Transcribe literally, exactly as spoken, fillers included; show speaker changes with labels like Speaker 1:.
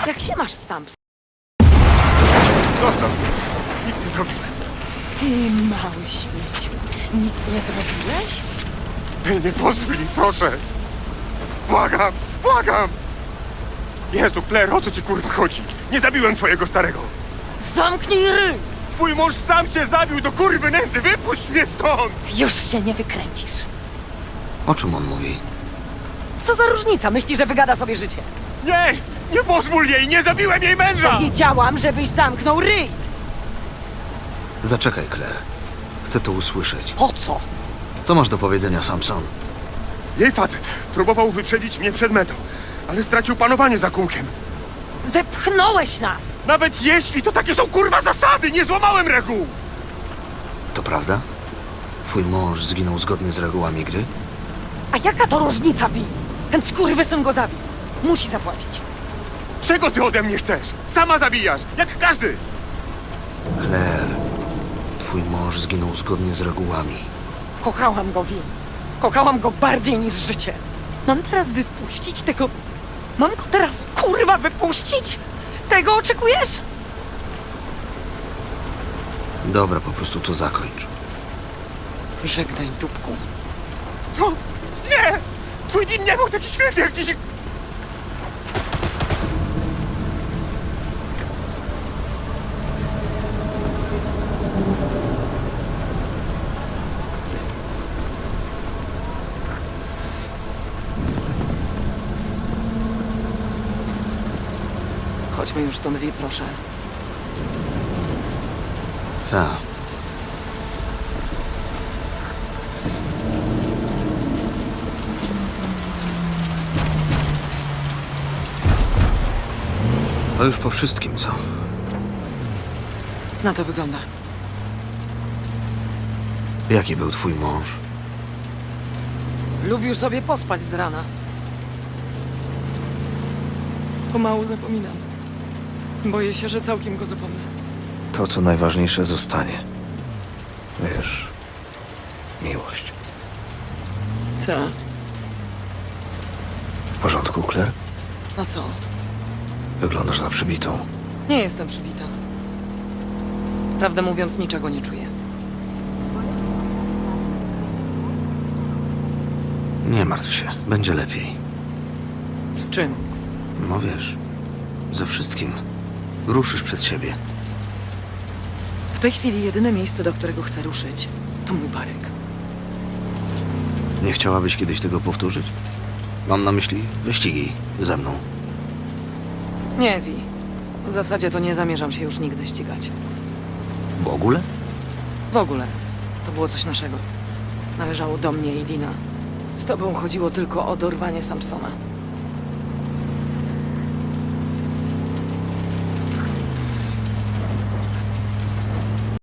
Speaker 1: Jak się masz sam?
Speaker 2: Zostaw mnie. Nic nie zrobiłem.
Speaker 1: Ty mały śmieciu. Nic nie zrobiłeś?
Speaker 2: Ty nie pozwól mi, proszę. Błagam, błagam. Jezu, Claire, o co ci kurwa chodzi? Nie zabiłem twojego starego.
Speaker 1: Zamknij ryj!
Speaker 2: Twój mąż sam cię zabił do kurwy nędzy. Wypuść mnie stąd.
Speaker 1: Już się nie wykręcisz.
Speaker 3: O czym on mówi?
Speaker 1: Co za różnica? Myśli, że wygada sobie życie.
Speaker 2: Nie, nie pozwól jej. Nie zabiłem jej męża.
Speaker 1: Wiedziałam, żebyś zamknął ryj!
Speaker 3: Zaczekaj, Claire. Chcę to usłyszeć.
Speaker 1: Po co?
Speaker 3: Co masz do powiedzenia, Samson?
Speaker 2: Jej facet próbował wyprzedzić mnie przed metą, ale stracił panowanie za kółkiem.
Speaker 1: Zepchnąłeś nas!
Speaker 2: Nawet jeśli to takie są kurwa zasady, nie złamałem reguł.
Speaker 3: To prawda? Twój mąż zginął zgodnie z regułami gry?
Speaker 1: A jaka to różnica, Wi? Ten skurwysyn go zabił. Musi zapłacić.
Speaker 2: Czego ty ode mnie chcesz? Sama zabijasz, jak każdy.
Speaker 3: Claire, twój mąż zginął zgodnie z regułami.
Speaker 1: Kochałam go, Wi. Kochałam go bardziej niż życie. Mam teraz wypuścić tego... Mam go teraz, kurwa, wypuścić? Tego oczekujesz?
Speaker 3: Dobra, po prostu to zakończ.
Speaker 1: Żegnaj, dupku.
Speaker 2: Co? Nie! Twój dzień nie był taki świetny jak dzisiaj.
Speaker 1: Chodźmy już stąd, Wi, proszę.
Speaker 3: Ta. To już po wszystkim, co?
Speaker 1: Na to wygląda.
Speaker 3: Jaki był twój mąż?
Speaker 1: Lubił sobie pospać z rana. Pomału zapominam. Boję się, że całkiem go zapomnę.
Speaker 3: To, co najważniejsze, zostanie. Wiesz, miłość.
Speaker 1: Co?
Speaker 3: W porządku, Claire?
Speaker 1: A co?
Speaker 3: Wyglądasz na przybitą.
Speaker 1: Nie jestem przybita. Prawdę mówiąc, niczego nie czuję.
Speaker 3: Nie martw się, będzie lepiej.
Speaker 1: Z czym?
Speaker 3: No wiesz, ze wszystkim. Ruszysz przed siebie.
Speaker 1: W tej chwili jedyne miejsce, do którego chcę ruszyć, to mój barek.
Speaker 3: Nie chciałabyś kiedyś tego powtórzyć? Mam na myśli wyścigi ze mną.
Speaker 1: Nie, Wi. W zasadzie to nie zamierzam się już nigdy ścigać.
Speaker 3: W ogóle?
Speaker 1: W ogóle. To było coś naszego. Należało do mnie i Dina. Z tobą chodziło tylko o dorwanie Samsona.